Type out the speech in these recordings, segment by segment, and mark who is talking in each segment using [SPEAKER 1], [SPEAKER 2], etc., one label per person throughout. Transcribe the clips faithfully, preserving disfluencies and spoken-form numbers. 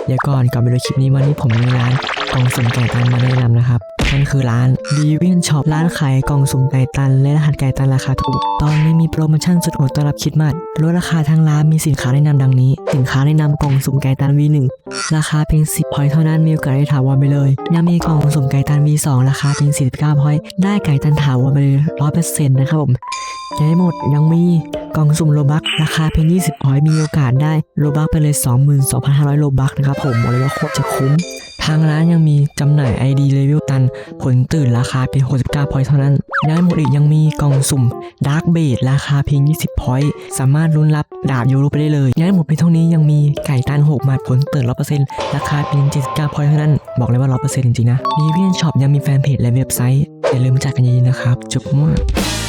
[SPEAKER 1] เดี๋ยวก่อนก่อนไปดูคลิปนี้วันนี้ผมมีร้านกล่องสุ่มไก่ตันมาแนะนำนะครับนั่นคือร้าน Divine Shop ร้านขายกล่องสุ่มไก่ตันและรหัสไก่ตันราคาถูกตอนนี้มีโปรโมชั่นสุดโหดต้อนรับคริสต์มาสลดราคาทางร้านมีสินค้าแนะนำดังนี้สินค้าแนะนำกล่องสุ่มไก่ตัน วี หนึ่ง ราคาเพียงสิบพอยต์เท่านั้นมีโอกาสได้ถาวรไปเลยยังมีกล่องสุ่มไก่ตัน วี สอง ราคาเพียงสี่สิบเก้าพอยต์ได้ไก่ตันถาวรไปเลย หนึ่งร้อยเปอร์เซ็นต์ นะครับผมยังไม่หมดยังมีกล่องสุ่มโลบัคราคาเพียงยี่สิบพอยต์มีโอกาสได้โลบัคไปเลย สองหมื่นสองพันห้าร้อย โลบัคนะครับผมบอกเลยว่าโคตรจะคุ้มทางร้านยังมีจำหน่าย ไอ ดี เลเวลตันผลตื่นราคาเพียงหกสิบเก้าพอยต์เท่านั้นยังไม่หมดอีกยังมีกล่องสุ่มดาร์กเบดราคาเพียงยี่สิบพอยต์สามารถลุ้นรับดาบยูโรไปได้เลยยังไม่หมดเพียงเท่านี้ยังมีไก่ตันหกหมัดผลตื่น ร้อยเปอร์เซ็นต์ ราคาเพียงเจ็ดสิบเก้าพอยต์เท่านั้นบอกเลยว่า ร้อยเปอร์เซ็นต์ จริงๆนะ Divine Shop ยังมีแฟนเพจและเว็บไซต์อย่าลืมจัดกันเยอะๆนะครับจุ๊บมั่ว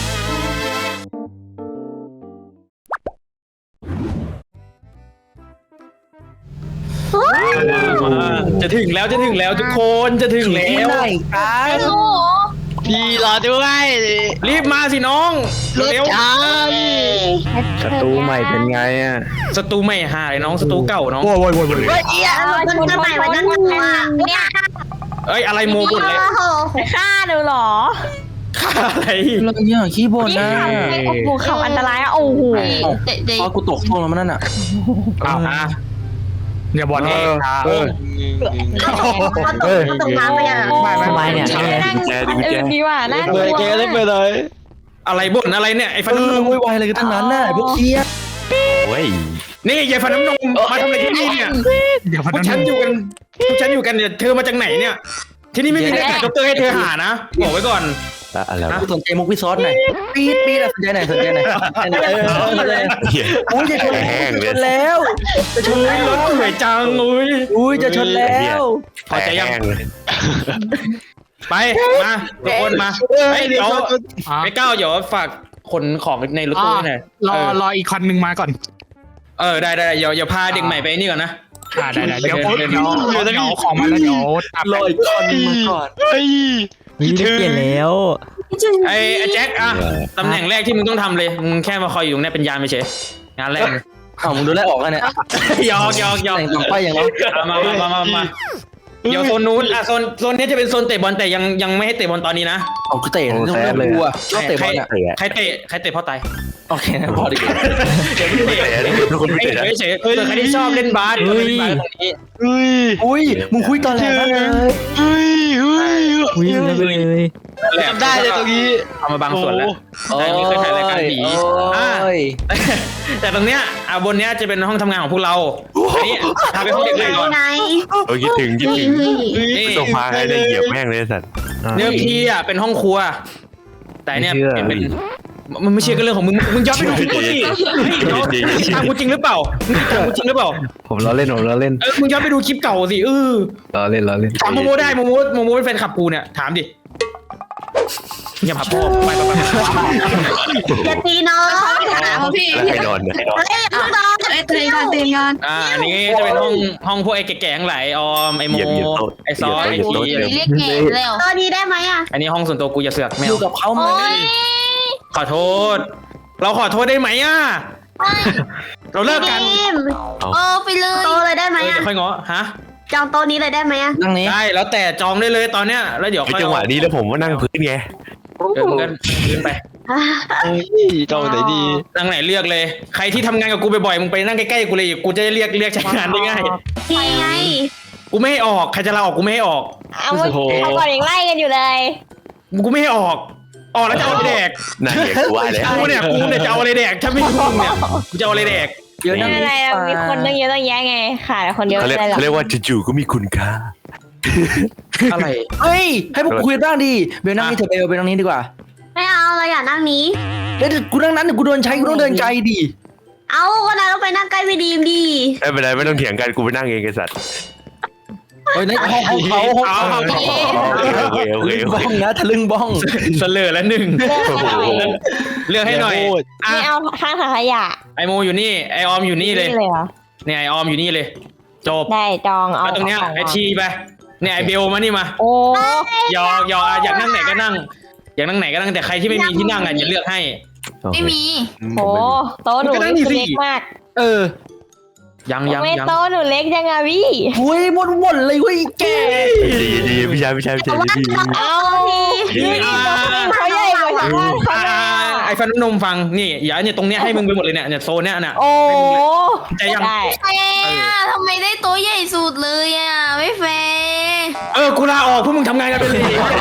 [SPEAKER 2] จะถึงแล้วจะถึงแล้วทุกคนจะถึงแล้ว
[SPEAKER 3] พี่รอด้วย
[SPEAKER 2] รีบมาสิน้องเร็ว
[SPEAKER 4] ศัตรูใหม่เป็นไงอ่ะ
[SPEAKER 2] ศัตรูใหม่หาเลยน้องศัตรูเก่าน้อง
[SPEAKER 4] โว้ยโว้ยโว้ยโว้ย
[SPEAKER 3] เฮ้ยเอียมันจะใหม่มันจะใหม่เนี่ย
[SPEAKER 2] เอ้ยอะไรโมบุญเลย
[SPEAKER 3] ฆ่าเดี๋ยวหรอ
[SPEAKER 2] ฆ่าอะไร
[SPEAKER 4] เราเนี่ยขี้บ่นนะ
[SPEAKER 3] โอ้โหเขาอันตรายอ่ะโอ้โห
[SPEAKER 4] พอกูตกช่วงแล้วมันนั่นอ่ะ
[SPEAKER 2] อ้าวนะอย่าบอกเองเออ
[SPEAKER 3] เออตกน้ำไปยัง
[SPEAKER 1] สบายเนี่ย
[SPEAKER 3] เออดีว่ะน่ากลัว
[SPEAKER 4] แกเล่นไปเลย
[SPEAKER 2] อะไรบ่นอะไรเนี่ยไอ้ฟัน
[SPEAKER 4] เอ
[SPEAKER 2] น้ำน
[SPEAKER 4] อ
[SPEAKER 2] ม
[SPEAKER 4] วุ่นวายอะไรกันทั้งนั้นน่ะพวกเคียโอ้ย
[SPEAKER 2] นี่ยายฟันน้ำนมมาทำอะไรที่นี่เนี่ยพวกฉันอยู่กันพวกฉันอยู่กันเนี่ยเธอมาจากไหนเนี่ยที่นี่ไม่มีเด็กด็อกเตอร์ให้เธอหานะบอกไว้ก่อน
[SPEAKER 4] อะไรกูสนใจมุกพี่ซอสหน่อยปี๊ดปี๊ดสนใจหน่อยสนใจหน่อยเออเลยอุ้ยจะชนจะชนแล้วจะชนแล้ว
[SPEAKER 2] รถสวยจังอุ้ย
[SPEAKER 4] อุ้ยจะชนแล้ว
[SPEAKER 2] พอใจยังไปมาทุกคนมาเฮ้ยเดี๋ยวไม่ก้าวเดี๋ยวฝากขนของในรถตู้หน่อยรอรออีกคันหนึ่งมาก่อนเออได้ได้เดี๋ยวเดี๋ยวพาเด็กใหม่ไปนี่ก่อนนะได้ได้เดี๋ยวเดี๋ยวเดี๋ยวของมาแล้วเดี๋ยว
[SPEAKER 4] รออีกคันนึงมาก่อน
[SPEAKER 1] เฮ้ยได้เปลี่ยนแล้ว
[SPEAKER 2] ไอ้แจ็คอะตำแหน่งแรกที่มึงต้องทำเลยมึงแค่มาคอยอยู่เนี่ยเป็นยามไม่ใช่งานแรก
[SPEAKER 4] อ้าวมึงดูแลออกกันเนี่ย
[SPEAKER 2] ยอกยอกยอก
[SPEAKER 4] แต่งต่อไปอย่างน้อย
[SPEAKER 2] มามามามาเดี๋ยวโซนนู้นอ่ะโซนโซนนี้จะเป็นโซนเตะบอลแต่ยังยังไม่ให้เตะบอลตอนนี้นะ
[SPEAKER 4] เอากูเตะต้องเลือกกูอ่ะชอบเตะบอลอ่ะ
[SPEAKER 2] ใครเตะใครเตะพ่อตาย
[SPEAKER 4] โอเคนะพอดีเดี๋ยว
[SPEAKER 2] เตะทุกคนเตะเฉยๆใครที่ชอบเล่นบาสเฮ้ย
[SPEAKER 4] อุ้ยอุ้ยมึงคุยตอนแรกเลย
[SPEAKER 1] อุ้ยอุ้ยอุ้ยเลย
[SPEAKER 3] จำได้เลยตรงนี้
[SPEAKER 2] เอามาบางส่วนแล้วแต่นี่เคยถ่ายรายการผีอ่าแต่ตรงเนี้ยอ่ะบนเนี้ยจะเป็นห้องทำงานของพวกเราอันนี้พาไปห้องเด็กเล่นก่อน
[SPEAKER 5] โอ้คิดถึงคิดถึงนี่ส่งพาให้ได้เหยียบแม่งเลยสัตว์
[SPEAKER 2] เนื้อทีอ่ะเป็นห้องครัวแต่เนี่ยเป็นมันไม่เชื่อกันเรื่องของมึงมึงย้อนไปดูคลิปกูสิถามกูจริงหรือเปล่าถามกูจริงหรือเปล่า
[SPEAKER 4] ผมล้อเล่นผมล้อเล่น
[SPEAKER 2] เออมึงย้อนไปดูคลิปเก่าสิเออ
[SPEAKER 4] ล้อเล่นล้อเล่น
[SPEAKER 2] ถามโมโมได้โมโมโมโมเป็นแฟนคลับกูเนี่ยถามดิอย่าพับพ่อไปไปไป
[SPEAKER 3] อย่าตีน้องพี่
[SPEAKER 5] ให้นอนให้นอน
[SPEAKER 3] เอ้ยนอนเอ้ยตีกันตีกัน
[SPEAKER 2] อ่าอันนี้จะเป็นห้องห้องพวกไอ้แก่ๆทั้งหลายออมไอ้โมไอ้ซอสไอ้ที
[SPEAKER 3] เรียกเก๋เร็วตอนนี้ได้ไหมอ่ะ
[SPEAKER 2] อันนี้ห้องส่วนตัวกูอย่าเสือกแมว
[SPEAKER 4] อยู่กับเขาไหม
[SPEAKER 2] ขอโทษเราขอโทษได้ไหมอ่ะเราเลิกกัน
[SPEAKER 3] เออไปเลยโตเลยได้ไหมอ่ะ
[SPEAKER 2] เดี๋ยวค่อยง้อฮะ
[SPEAKER 3] จองโต๊ะนี้เลยได้ไหมอ่ะ
[SPEAKER 4] นั่งนี้
[SPEAKER 2] ได้แล้วแต่จองได้เลยตอนเนี้ยแล้วเดี๋ยว
[SPEAKER 5] จังหวะนี้แล้วผมว่านั่งพื้นไง
[SPEAKER 2] เดินกันขึ้นไป
[SPEAKER 4] จองไหนดี
[SPEAKER 2] นั่งไหนเลือกเลยใครที่ทำงานกับกูบ่อยๆมึงไปนั่งใกล้ๆกูเลยกูจะเรียกเรียกใช้งานได้ง่าย
[SPEAKER 3] ไง
[SPEAKER 2] กูไม่ให้ออกใครจะลาออกกูไม่ให้ออก
[SPEAKER 3] เอาเขาก่อนยังไล่กันอยู่เลย
[SPEAKER 2] กูไม่ให้ออกออกแล้วจะเอาอะไรแดก
[SPEAKER 5] นั่นเด็กกูว่าแล้ว
[SPEAKER 2] กูเนี่ยกูเนี่ยจะเอาอะไรแดกถ้าไม่มึงเนี่ยกูจะเอาอะไรแดก
[SPEAKER 3] เยอะนั่นอะไรมีคนตั้งเยอะตั้งแยะไงขาดคนเดียว
[SPEAKER 5] ไม่ได้หรอกเขาเรียกว่าจู่ๆก็มีคุณค่า
[SPEAKER 2] อะไร
[SPEAKER 4] เฮ้ยให้พวกคุยบ้างดิเบลนั่งนี่เถอะเบลเบลนั่งนี้ดีกว่า
[SPEAKER 3] ไม่เอาเราอยากนั่งนี้
[SPEAKER 4] เดี๋ยวกูนั่งนั้นเดี๋ยวกูโดนใช้กูต้องเดินไกลดิ
[SPEAKER 3] เอาก็นายต้องไปนั่งใกล้พี่ดีมดิ
[SPEAKER 5] ไม่เป็นไรไม่ต้องเถียงกันกูไปนั่งเองไอ้สัตว์
[SPEAKER 4] เฮ้ยในห้องของเขาห้องเขา
[SPEAKER 5] โอเคโอเคโอเค
[SPEAKER 4] บ้องนะทะลึ่งบ้อง
[SPEAKER 2] เสลอแล้วหนึ่งเลือกให้หน่อย
[SPEAKER 3] ไม่เอาข้างถังขยะ
[SPEAKER 2] ไอโมอยู่นี่ไอออมอยู่นี่เลยเนี่ยไอออมอยู่นี่เลยจบ
[SPEAKER 3] ได้จองเอา
[SPEAKER 2] ตรงเนี้ยไอทีไปเนี่ยไอเบลมานี่มา
[SPEAKER 3] โอ้
[SPEAKER 2] ยอกยออยากนั่งไหนก็นั่งอยากนั่งไหนก็นั่งแต่ใครที่ไม่มีที่นั่งอ่ะอย่าเลือกให้
[SPEAKER 3] ไม่มีโอ้โต๊ะหนูเล็กมาก
[SPEAKER 4] เออ
[SPEAKER 2] ยังยัง
[SPEAKER 3] ไม่
[SPEAKER 2] ยัง
[SPEAKER 3] โตหนูเล็กยังอะพี่
[SPEAKER 4] อุ้ยวนวนเลยเว้ยแก
[SPEAKER 5] ดีดีพี่ชายพี่ชายพี่ชายดีดี
[SPEAKER 3] เอาพี่พี่เขาใหญ่กว่าชาวบ้านเขา
[SPEAKER 2] อ่า
[SPEAKER 3] เลย
[SPEAKER 2] ไอ้ฟันนมฟังนี่อย่าเนี่ยตรงเนี้ยให้มึงไปหมดเลยเนี่ยเนี่ยโซนเนี้ยน่ะ
[SPEAKER 3] โอ้
[SPEAKER 2] ใจยัง
[SPEAKER 3] ได้
[SPEAKER 6] แฟร์อะทำไมได้โต๊ะใหญ่สุดเลยอ่ะไม่แฟร์
[SPEAKER 2] เออกูลาออกพวกมึงทำงานกันไปเลย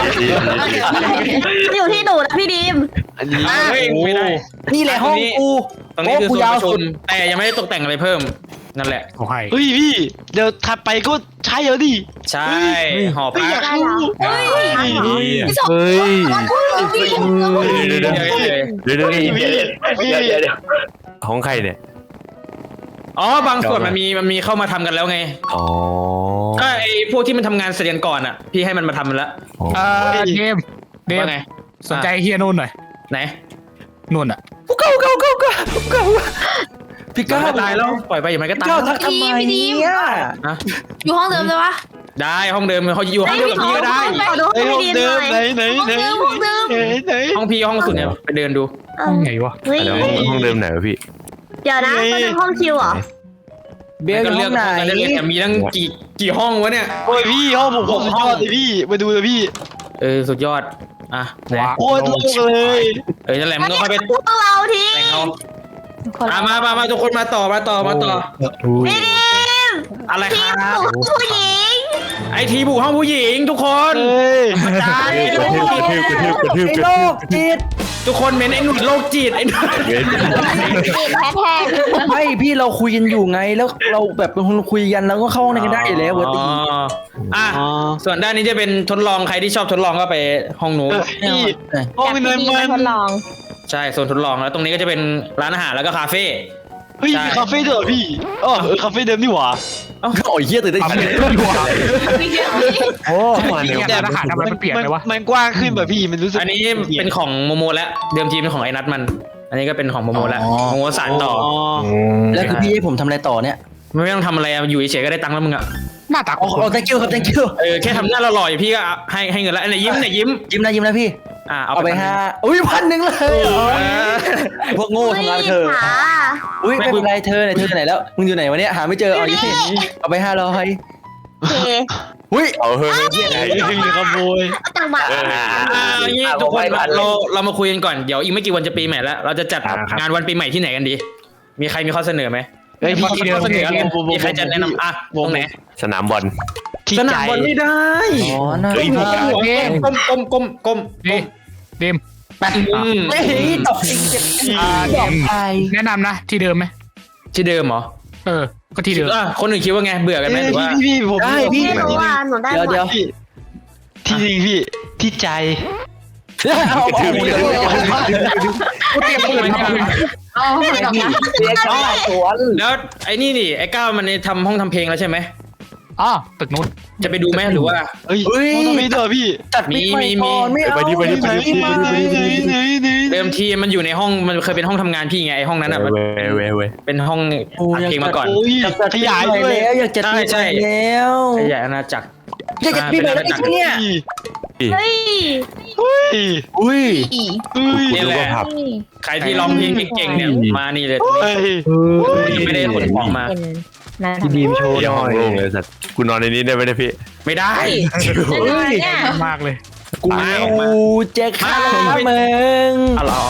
[SPEAKER 3] อยู่ที่หนูนะพี่ดีม
[SPEAKER 2] เฮ้ยไม่ได้
[SPEAKER 4] นี่แหละห้องกู
[SPEAKER 2] ตรงนี้คือ
[SPEAKER 4] กู
[SPEAKER 2] โซน
[SPEAKER 4] ยาว
[SPEAKER 2] ประชุ
[SPEAKER 4] สุ
[SPEAKER 2] ม
[SPEAKER 4] ด
[SPEAKER 2] แต่ยังไม่ได้ตกแต่งอะไรเพิ่มนั่นแหละ
[SPEAKER 7] โอ้ย
[SPEAKER 8] เฮ้ยพี่เดี๋ยวถัดไปก็ใช่แล้วดิ
[SPEAKER 2] ใช่หอพัก
[SPEAKER 3] ได้เหรอ
[SPEAKER 6] เฮ้ย
[SPEAKER 5] เ
[SPEAKER 6] พี่สอง
[SPEAKER 5] ฮ้ย
[SPEAKER 6] พี่
[SPEAKER 5] เดี๋ยวเดี๋ยว
[SPEAKER 2] เดี๋ยว
[SPEAKER 5] เดี๋ยวเดี๋ยว
[SPEAKER 8] พี่
[SPEAKER 5] เดี๋ยว
[SPEAKER 8] พี่
[SPEAKER 5] เดี๋ยวเดี๋ยวของใครเนี่ย
[SPEAKER 2] อ๋อบางส่วนมันมีมันมีเข้ามาทำกันแล้วไง
[SPEAKER 5] อ๋อ
[SPEAKER 2] ก็ไอ้พวกที่มันทำงานเสร็จกันก่อนอ่ะพี่ให้มันมาทำมันละ
[SPEAKER 7] เออเดมเดม
[SPEAKER 2] ว่าไง
[SPEAKER 7] สนใจเฮียนู่นหน่อย
[SPEAKER 2] ไหน
[SPEAKER 7] นู่นอ่ะ
[SPEAKER 4] เก้าเก้าเก้าเก้าเก้าพี่
[SPEAKER 2] ก็
[SPEAKER 4] ก้าว
[SPEAKER 2] ตายแล้วปล่อยไปอย่างไรก็ตาย
[SPEAKER 4] ก้าวทักทำไมเนี่ย
[SPEAKER 2] นะ
[SPEAKER 6] อยู่ห้องเดิมเลยปะ
[SPEAKER 2] ได้ห้องเดิมเขาอยู่ห้องเดียวกับพี่ก็ได้
[SPEAKER 3] ขอดู
[SPEAKER 8] เฮ้ย
[SPEAKER 3] ให้
[SPEAKER 8] ห้อง
[SPEAKER 3] ดีม
[SPEAKER 8] เดิ
[SPEAKER 3] ห
[SPEAKER 8] ม
[SPEAKER 3] น่อย
[SPEAKER 8] ไหนไหนไหน
[SPEAKER 6] ห้องเดิม
[SPEAKER 8] ไหนไหน
[SPEAKER 2] ห้องพี่ห้องสุดเนี่ยไปเดินดู
[SPEAKER 7] ไงวะ
[SPEAKER 3] เฮ้ย
[SPEAKER 5] เดี๋ยวห้องเดิมไหนวะพี่
[SPEAKER 3] เดี๋ยวนะก็เป็นห้องคิวเหรอ
[SPEAKER 4] เบลอยู่
[SPEAKER 2] ก็
[SPEAKER 4] ห้
[SPEAKER 2] เลื
[SPEAKER 4] อ
[SPEAKER 2] อก
[SPEAKER 4] งไหน
[SPEAKER 2] ห้องนั้นได้เลยแต่มีตั้งกี่กี่ห้องวะเนี่ย
[SPEAKER 8] โอ้ยพี่ห้องผมผมชอบเลยพี่มาดูเลยพี่
[SPEAKER 2] เออสุดยอดอ่ะไหน
[SPEAKER 7] ว้า
[SPEAKER 8] โอ้ยโล่งเลย
[SPEAKER 2] เออนั่นแหละมึงก็ค่อยไป
[SPEAKER 3] พวกเราที
[SPEAKER 2] แต่งเอาอ่ะมามามาทุกคนมาต่อมาต่อมาต่อ
[SPEAKER 3] พี่ดีม
[SPEAKER 2] อะไร
[SPEAKER 3] ที
[SPEAKER 2] ค
[SPEAKER 3] ม
[SPEAKER 2] รับ
[SPEAKER 3] หนูผู้หญิง
[SPEAKER 2] ไอทีบุกห้องผู้หญิงทุกคน
[SPEAKER 8] เฮ้ย
[SPEAKER 2] ได้
[SPEAKER 5] กระทืบกระทืบกระทืบกระทืบ
[SPEAKER 4] ไอ้
[SPEAKER 5] กระ
[SPEAKER 4] โล
[SPEAKER 5] ทืบ
[SPEAKER 4] กจิต
[SPEAKER 2] ทุกคนเม้นไอ้หนุ่ยโรคจิตไอ้หนุ่ย
[SPEAKER 5] เว้ย
[SPEAKER 3] ติดแฮชแท็ก
[SPEAKER 4] ไม่พี่เราคุยกันอยู่ไงแล้วเราแบบเป็นคนคุยกันแล้วก็เข้าห้องในกันได้อยู่แล้วปกติ
[SPEAKER 2] อ๋ออ่ะส่วนด้านนี้จะเป็นทดลองใครที่ชอบทดลองก็ไปห้องนู้น
[SPEAKER 8] พี่ห้อง
[SPEAKER 3] จาก
[SPEAKER 8] นั้น
[SPEAKER 3] พี่ดี
[SPEAKER 8] มั
[SPEAKER 3] มาน ทดลอง
[SPEAKER 2] ใช่โซนทดลองแล้วตรงนี้ก็จะเป็นร้านอาหารแล้วก็คาเฟ่
[SPEAKER 8] เฮ้ยมีคาเฟ่ด้วยเหรอพี่อ๋อเออคาเฟ่เดิมนี่หว่า
[SPEAKER 4] โอ้ยเฮียตื่นเต้น
[SPEAKER 7] ทำ
[SPEAKER 4] จัง
[SPEAKER 7] เล
[SPEAKER 4] เลย ย
[SPEAKER 7] ดีกว่า
[SPEAKER 4] โอ้
[SPEAKER 5] เข้ามาใน
[SPEAKER 7] เฮีย
[SPEAKER 5] วัน
[SPEAKER 7] ทหารทำไมมันเปลี่ยนไปวะ
[SPEAKER 8] มันกว้างขึ้นแบบพี่มันรู้สึก
[SPEAKER 2] อันนี้เป็นของโมโมแล้วเดิมทีเป็นของไอ้นัทมัน อันนี้ก็เป็นของโมโมแล้วโมโมสานต่อ
[SPEAKER 4] แล้วคือพี่ให้ผมทำอะไรต่อเนี่ย
[SPEAKER 2] ไม่ต้องทำอะไรอะอยู่เฉยๆก็ได้ตังค์แล้วมึงอะ
[SPEAKER 7] หน้าตา
[SPEAKER 4] โอ้โห thank you ครับ thank you
[SPEAKER 2] เออแค่ทำหน้าหล่อๆอยู่พี่ก็ให้ให้เงินแล้วอันไหนยิ้มไหนยิ้ม
[SPEAKER 4] ยิ้มนะยิ้มนะพี่
[SPEAKER 2] อ่ะเอา
[SPEAKER 4] เอา
[SPEAKER 2] ไป
[SPEAKER 4] ไปห้าอุ้ยพันหนึ่งเลยพวกโง่ทำงานเธอ
[SPEAKER 3] ขา
[SPEAKER 4] อุ้ยไม่เป็นไรเธอไหนเธอไหนแล้วมึงอยู่ไหนวะเนี่ยหาไม่เจอเอายี่เอาไปห้าร้อย
[SPEAKER 3] โอเค
[SPEAKER 4] อุ้ย
[SPEAKER 5] เอาเฮ้ย
[SPEAKER 8] ไอ้ที่มีขโมย
[SPEAKER 3] จังหวะ
[SPEAKER 2] อ่าอย่างงี้ทุกคนเราเรามาคุยกันก่อนเดี๋ยวอีกไม่กี่วันจะปีใหม่แล้วเราจะจัดงานวันปีใหม่ที่ไหนกันดี มีใครมีข้อเสนอไหม
[SPEAKER 8] เฮ้ย
[SPEAKER 2] มี
[SPEAKER 8] พี่
[SPEAKER 2] ข้อเสนอมีใครจะแนะนำอ่ะตรงไหน
[SPEAKER 5] สนามบอล
[SPEAKER 8] ที่
[SPEAKER 2] ส
[SPEAKER 8] ใจ
[SPEAKER 2] นามบอลไม่ได้
[SPEAKER 4] อ๋อน่า
[SPEAKER 5] เฮ้ยพี่
[SPEAKER 2] ก้มก้มก้มก้ม
[SPEAKER 7] ดีเดม
[SPEAKER 4] แป๊บ
[SPEAKER 2] อืม
[SPEAKER 4] เฮ้ยตกจริงเจ็บ
[SPEAKER 7] อ่าเดม
[SPEAKER 4] ไป
[SPEAKER 7] แนะนำนะที่เดิมไหม
[SPEAKER 2] ที่เดิมเหรอ
[SPEAKER 7] เออ ก็ที่เดิม
[SPEAKER 2] อ่ะคนอื่นคิดว่าไงเบื่อกันไหมหรือว่า
[SPEAKER 8] พี่พี่ผม
[SPEAKER 4] ได้พี่
[SPEAKER 3] ไม่รู้ว่าหนูได้
[SPEAKER 4] เดี๋ยว
[SPEAKER 3] หมด
[SPEAKER 4] เดี๋ยว
[SPEAKER 8] ที่ที่จริงพี่ที่ใจ
[SPEAKER 4] เอาเอา
[SPEAKER 7] กูเตรียมปืนมา
[SPEAKER 3] เอาหมดแล้วนะ
[SPEAKER 4] เด็กชอบสวน
[SPEAKER 2] แล้วไอ้นี่นี่ไอ้ก้าวมันทำห้องทำเพลงแล้วใช่ไหม
[SPEAKER 7] อ๋อตึกนู้น
[SPEAKER 2] จะไปดูไหมหรือว่า
[SPEAKER 8] เฮ้ยห้องทำไมเด้อพี่
[SPEAKER 4] จัดมิกไมค์ก่อนไม่เอา
[SPEAKER 5] ไปดิไปดิไปดิ
[SPEAKER 4] ไม่
[SPEAKER 8] ไหนไหนไหน
[SPEAKER 2] เดิมทีมันอยู่ในห้องมันเคยเป็นห้องทำงานพี่ไงไอ้ห้องนั้นอ่ะมัน
[SPEAKER 5] เว้ยเว้ยเว้ย
[SPEAKER 2] เป็นห้องอัดเพลงมาก่อน
[SPEAKER 8] โอ้ย
[SPEAKER 4] จัด
[SPEAKER 8] ขยายด้วย
[SPEAKER 4] แล้วอยากจัดปีใหม่แล้ว
[SPEAKER 2] ขยายอาณาจักร
[SPEAKER 4] อยากจัดปีใหม่แล้วอีกเนี่ย
[SPEAKER 3] เฮ้ย
[SPEAKER 8] เฮ้ย
[SPEAKER 4] อุ้ย
[SPEAKER 8] เฮ้ย
[SPEAKER 2] นี่แหละ
[SPEAKER 5] ผับ
[SPEAKER 2] ใครที่ร้องเพลงเก่งๆเนี่ยมานี่เลย
[SPEAKER 8] เฮ้ย
[SPEAKER 2] ยังไม่ได้ขนของมา
[SPEAKER 3] เป็นนะ
[SPEAKER 4] พี่บีมโชว์ห
[SPEAKER 5] อย่า
[SPEAKER 4] น่
[SPEAKER 5] ห้
[SPEAKER 4] อ
[SPEAKER 5] อง
[SPEAKER 4] ย
[SPEAKER 5] โล่งเลยสัตว์กูนอนในนี้ได้ไหมเนี่ยพี่
[SPEAKER 2] ไม่ได้
[SPEAKER 3] เฮ้ยเนี่ย
[SPEAKER 7] มากเลย
[SPEAKER 4] กูจะฆ่ามึง
[SPEAKER 2] เอาเหรอ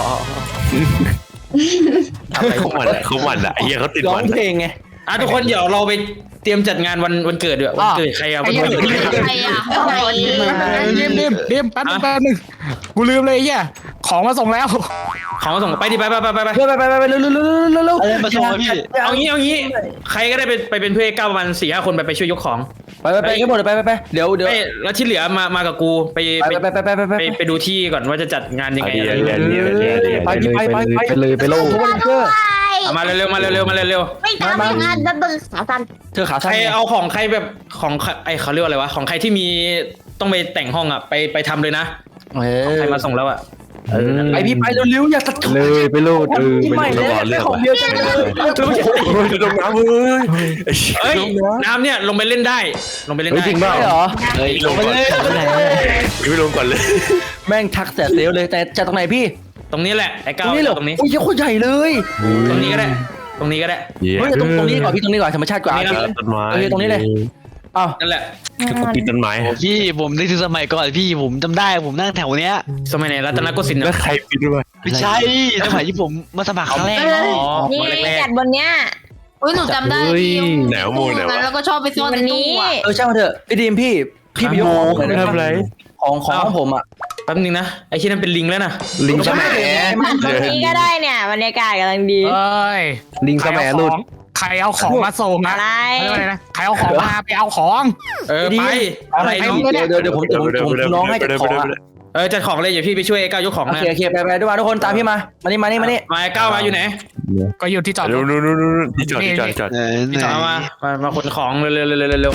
[SPEAKER 2] เอาเหรอ
[SPEAKER 5] เขาหมันอะเขาหมันอะไอ้เหี้ยเขาติด
[SPEAKER 4] ร้อ
[SPEAKER 5] หมั
[SPEAKER 4] ง
[SPEAKER 5] น
[SPEAKER 4] เพลงไง
[SPEAKER 2] อ่ะทุกคนเดี๋ยวเราไปเตรียมจัดงานวันวันเกิดด้วยวันเกิดใครอ่ะวันเกิด
[SPEAKER 6] ใครอ่ะห้องไหน
[SPEAKER 7] เดมเดมเดมแป๊บนึงแป๊บนึงกูลืมเลยไอ้เฮียของมาส่งแล้ว
[SPEAKER 2] ของส่งไปดิไปไปไปไปไป
[SPEAKER 4] ไปไปไปไปเร็วเร็วเร็วเร็วเร็ว
[SPEAKER 8] อะไรมาโชว์พี่
[SPEAKER 2] เอางี้เอางี้ใครก็ได้ไปไปเป็นเพื่อนก้าวประมาณสี่ห้าคนไปไปช่วยยกของ
[SPEAKER 4] ไปไปไปกันหมดเลยไปไปไปเดี๋ยวเดี๋ยว
[SPEAKER 2] ไม่แล้วที่เหลือมามากับกูไป
[SPEAKER 4] ไปไปไปไปไปไป
[SPEAKER 2] ไปไปดูที่ก่อนว่าจะจัดงานยังไง
[SPEAKER 5] เดี๋ยวเดี๋ยวเดี๋ยวเดี๋ยวเดี๋ยว
[SPEAKER 4] ไปไปไปไปเลยไปโลกทุกวันเพื่อ
[SPEAKER 2] เอามาเร็วๆมาเร็วๆมาเร็ว
[SPEAKER 3] ไม่ตามไม่งานดับเบิลสาสัน
[SPEAKER 4] เธอขา
[SPEAKER 2] ๆใค
[SPEAKER 4] สั้
[SPEAKER 2] ร
[SPEAKER 4] น
[SPEAKER 2] เอาของใครแบบของไอเขาเรียกว่าอะไรวะของใครที่มีต้องไปแต่งห้องอ่ะไปไปทำเลยนะ
[SPEAKER 4] เออ
[SPEAKER 2] ใครมาส่งแล้วอ่ะเออนั่นแห
[SPEAKER 4] ไป
[SPEAKER 2] ละ
[SPEAKER 4] พี่ไปเร็วๆอย่าตัด
[SPEAKER 5] เลยไปโลดเออ
[SPEAKER 4] ที่
[SPEAKER 5] ไป
[SPEAKER 4] ใหม่
[SPEAKER 5] โล
[SPEAKER 4] แล้
[SPEAKER 5] ด
[SPEAKER 4] ว
[SPEAKER 5] เรื่อง
[SPEAKER 4] ของเดียวกันเลย
[SPEAKER 5] โอ้ยลงน้ำเว้ย
[SPEAKER 2] เอ้ยน้ำเนี่ยลงไปเล่นได้ ลงไปเล่นได้
[SPEAKER 5] จริงเปล่า
[SPEAKER 4] เหรอ
[SPEAKER 5] เฮ้ยลงก่อนไม่ลงก่อนเลย
[SPEAKER 4] แม่งทักแต่เซลเลยแต่จะตรงไหนพี่
[SPEAKER 2] ตรงนี้แหละไอ้
[SPEAKER 4] ต
[SPEAKER 2] ก้า
[SPEAKER 4] รง
[SPEAKER 2] ว
[SPEAKER 4] นี้เหรอ
[SPEAKER 2] ตรงนี้
[SPEAKER 4] อุ้ยโคตรใหญ่เลย
[SPEAKER 2] ตรงนี้ก็ได้ตรงนี้ก็ได้
[SPEAKER 4] เฮ้ยตรงตรงนี้ก่อนพี่ตรงนี้ก่อนธรรมชาติกว่า
[SPEAKER 2] ตรงนี้นะ
[SPEAKER 5] ต้นไม้
[SPEAKER 4] เออตรงนี้เลยอ้าว
[SPEAKER 2] นั่นแหละ
[SPEAKER 5] ก็ปีนต้นไม้
[SPEAKER 8] พี่ผมนึกถึงสมัยก่อนพี่ผมจำได้ผมนั่งแถวเนี้ย
[SPEAKER 2] สมัยไหนรัตนโกสินทร์
[SPEAKER 5] แล้ว
[SPEAKER 2] เนาะ
[SPEAKER 5] ใครปีนด้วย
[SPEAKER 8] ไม่ใช่สมัยที่ผมมาสมัครครั้งแรก
[SPEAKER 2] อ๋อ
[SPEAKER 3] นี่
[SPEAKER 2] มาแรก
[SPEAKER 3] จัดบนเนี้ย
[SPEAKER 6] อุ้ยหนูจำได้พี่
[SPEAKER 5] แหนวโมแหนว
[SPEAKER 6] แล้วก็ชอบไปซ่อน
[SPEAKER 3] วั
[SPEAKER 6] ใน
[SPEAKER 3] น
[SPEAKER 6] ตู้
[SPEAKER 3] นี้
[SPEAKER 6] อะ
[SPEAKER 4] เออช่างมันเถอะพี่ดีมพี่พี่ไปยกของเลยนะ
[SPEAKER 5] ทำอะไร
[SPEAKER 4] ของของของผมอ่ะ
[SPEAKER 2] ๆแป๊บนึงนะไอ้ที่นั่นเป็นลิงแล้วนะ
[SPEAKER 5] ลิงสมัย
[SPEAKER 3] ตรงนี้ก็ได้เนี่ยบรรยากาศกำลังดี
[SPEAKER 7] เอ้ย
[SPEAKER 5] ลิงสมัยรุ่น
[SPEAKER 7] ใครเอาของมาส่ง
[SPEAKER 3] อะ
[SPEAKER 7] อะไร ไรนะใครเอาของมาไปเอาของ
[SPEAKER 2] เออไปอะไร
[SPEAKER 4] ให้
[SPEAKER 2] น้อง
[SPEAKER 4] เดี๋ยวเดี๋ยวเดี๋ยวผมผมผมน้องให้จัดของอ่ะ
[SPEAKER 2] เออจัดของเลยอย่าพี่ไปช่วยไอ้ก้าวยกของ
[SPEAKER 4] โอ
[SPEAKER 2] นะ
[SPEAKER 4] เคโอเคไปไปด้วยมาทุกคนตามพี่มามานี่มานี่มานี่
[SPEAKER 2] มาไอ้ก้าวมาอยู่ไหน
[SPEAKER 7] ก็อยู่ที่จอดร
[SPEAKER 5] นู่
[SPEAKER 7] ถ
[SPEAKER 5] นนู่นนู่นที่จอดที่จอดที่จอด
[SPEAKER 8] เออ
[SPEAKER 2] พี่ต่อมามามาขนของเร็วเร็วเร็วเร็วเร็ว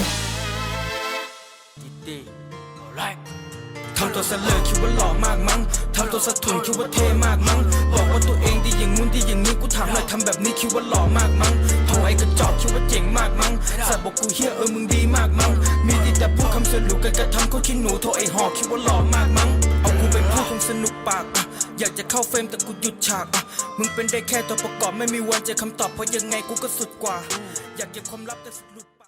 [SPEAKER 9] ทำตัวเสลอคิดว่าหล่อมากมั้งทำตัวสะทุนคิดว่าเท่มากมั้งบอกว่าตัวเองดีอย่างงู้นดีอย่างนี้กูถามหน่อยทำแบบนี้คิดว่าหล่อมากมั้งโถไอ้กระจอกคิดว่าเจ๋งมากมั้งสัตว์บอกกูเฮียเออมึงดีมากมั้งมีดีแต่พูดคำสรุปกันกระทำเขาขี้หนูโถไอ้หอกคิดว่าหล่อมากมั้งเอากูไปพูดคงสนุกปากอ่ะอยากจะเข้าเฟรมแต่กูหยุดฉากอ่ะมึงเป็นได้แค่ตัวประกอบไม่มีวันเจอคำตอบเพราะยังไงกูก็สุดกว่าอยากเก็บความลับแต่สุด